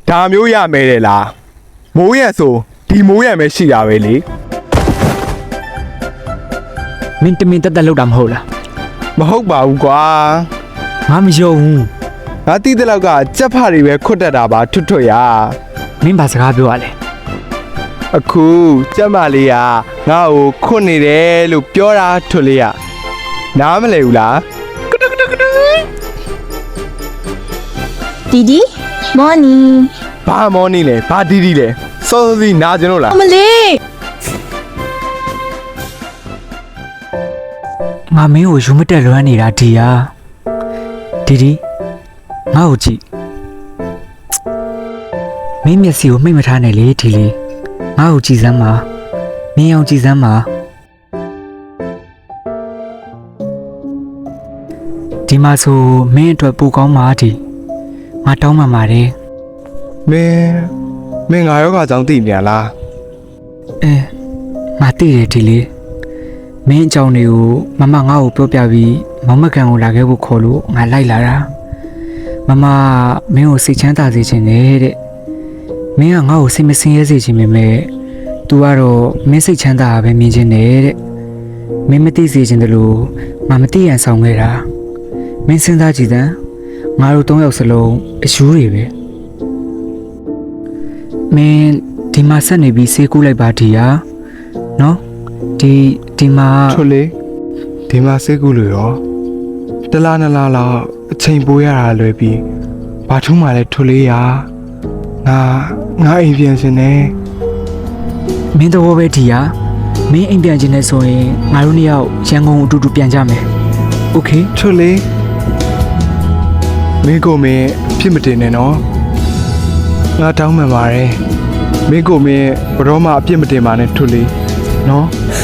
ဒါမျိုးရမယ်လေလားမိုးရဆိုဒီမိုးရမယ်ရှိတာပဲလေမင်းတမင်တက်တက်လောက်တာမဟုတ်လားမဟုတ်ပါဘူးကွာငါမယုံဘူးငါတီးတဲ့လောက်ကကြက်ဖတွေပဲခွတ်တက်တာပါထွတ်ထွတ်ရမင်းဘာစကားပြောရလဲအခုကြက်မလေးကငါ့ကိုခွတ်နေတယ်လို့ပြောတာထွတ်လေးရနားမလဲဘူးလားဒီဒီမော်နီဘာမောနေလဲဘာတီးတီးလဲစောစောစီနာကျင်လို့လားအမလေးငါမင်းကိုယူမတက်လွမ်းနေတာဒီဟာဒီငါ့ကိုကြည့်မင်းမျက်စိကိုမှိတ်မထားနဲ့လေဒီလေးငါ့ကိုကြည့်စမ်းပါမင်းအောင်ကြည့်စမ်းပါဒီမှာဆိုမင်းအတွက်ပိုကောင်းပါဒီငါတောင်းပန်ပါတယ်မင်းငါယောဂကြောင့်တည်မြန်လားငါသိတယ်ဒီလေးမင်းအကြောင်းတွေကိုမမငါ့ကိုပြောပြပြီးမောင်မကန်ကိုလာခဲ့ဖို့ခေါ်လို့ငါလိုက်လာတာမမမင်းကိုစိတ်ချမ်းသာစေချင်တယ်တဲ့မင်းကငါ့ကိုစိတ်မစင်ရဲစေချင်ပေမဲ့ तू ကတော့မင်းစိတ်ချမ်းသာပဲမြင်ချင်တယ်တဲ့မင်းမသိစေချင်တယ်လို့ငါမသိရန်ဆောင်ခဲ့တာမင်းစဉ်းစားကြည့်စမ်းငါတို့၃ယောက်စလုံးအယူတွေပဲမင်းဒီမှာဆက်နေပြီးဆေးကူးလိုက်ပါဒီဟာနော်ဒီမှာထွတ်လေးဒီမှာစိတ်ကူးလို့ရောတလားနလားလောက်အချိန်ပိုးရတာလွယ်ပြီးဘာထူးမှလဲထွတ်လေးရငါအိမ်ပြန်ရှင်နေမင်းတော့ပဲဒီဟာမင်းအိမ်ပြန်ခြင်းနဲ့ဆိုရင်ငါတို့နှစ်ယောက်ရန်ကုန်အတူတူပြန်ကြမယ်โอเคထွတ်လေးမင်းကိုမင်းအဖြစ်မတင်နဲ့နော်ငါတောင်းပန်ပါတယ်မင်းကိုမင်းဘရောမှအပြစ်မတင်ပါနဲ့ထွတ်လေးနော်